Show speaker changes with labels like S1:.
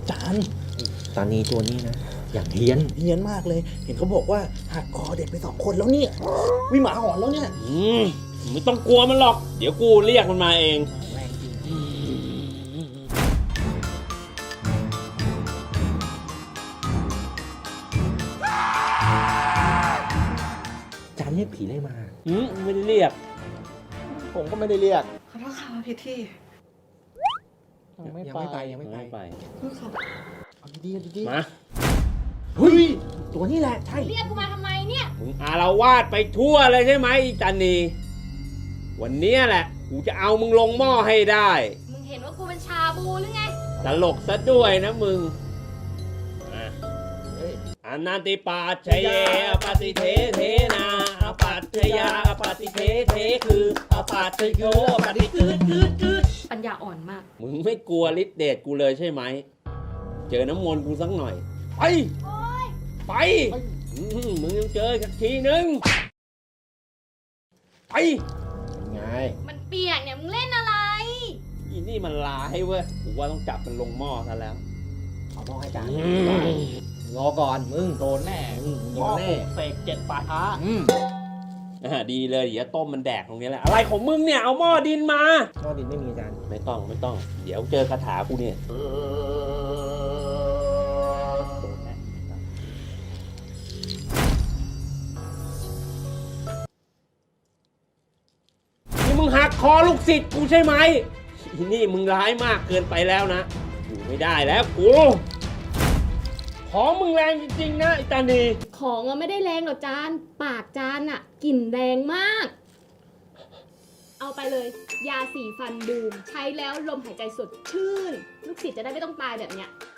S1: จาน
S2: ตานีตัวนี้นะอย่างเฮี้ยน
S1: มากเลยเห็นเขาบอกว่าหักคอเด็กไป2 คนแล้วเนี่ยวิหมาหอนแล้วเนี่ย
S3: ไม่ต้องกลัวมันหรอกเดี๋ยวกูเรียกมันมาเอง
S1: แรงจริงจานเรียกผีอะไรมา
S3: ไม่ได้เรียก
S1: ผมก็ไม่ได้เรียก
S4: ขอโทษค่ะผิดที่
S1: ยังไม่ไป
S4: ขอโทษค่ะ
S1: เอาดีๆดี
S3: มา
S1: ๆเฮ้ยตัวนี้แหละใช่
S5: เรียกกูมาทำไมเนี่ย
S3: มึงอารวาสไปทั่วเลยใช่ไหมอีจันนีวันเนี้ยแหละกูจะเอามึงลงหม้อให้ได้
S5: มึงเห็นว่ากูเป็นชาบูหรือไง
S3: ตลกซะด้วยนะมึงอนันติปัจเจเยอปฏิเทเทนาอปัจจยาอปฏิเทเทคืออปัจจโยอปฏิคืด
S5: ปัญญาอ่อนมาก
S3: มึงไม่กลัวฤทธิ์เดชกูเลยใช่ไหมเจอน้ำมนต์กูสักหน่อยไปไปมึงยังเจอสักทีนึงไป
S1: ไง
S5: มันเปียกเนี่ย มึงเล่นอะไร
S3: อีนี่มันลาให้เว้ยกูว่าต้องจับมันลงหม้อซะแล้ว
S1: เอาหม้อให้จานรอก่อนมึงโดนแน่โดนแน่เสก7 ป่าช้า
S3: ดีเลยเดี๋ยวต้มมันแดกตรงนี้แหละอะไรของมึงเนี่ยเอาหม้อดินมา
S1: หม้อดินไม่มีจาน
S3: ไม่ต้องเดี๋ยวเจอคาถากูเนี่ยนี่มึงหักคอลูกศิษย์กูใช่ไหมอีนี่มึงร้ายมากเกินไปแล้วนะอยู่ไม่ได้แล้วกูของมึงแรงจริงๆนะไอ้ตานี
S5: ของอะไม่ได้แรงหรอกจาน ปากจานอะกลิ่นแรงมาก เอาไปเลย ยาสีฟันบูม ใช้แล้วลมหายใจสดชื่น ลูกศิษย์จะได้ไม่ต้องตายแบบเนี้ย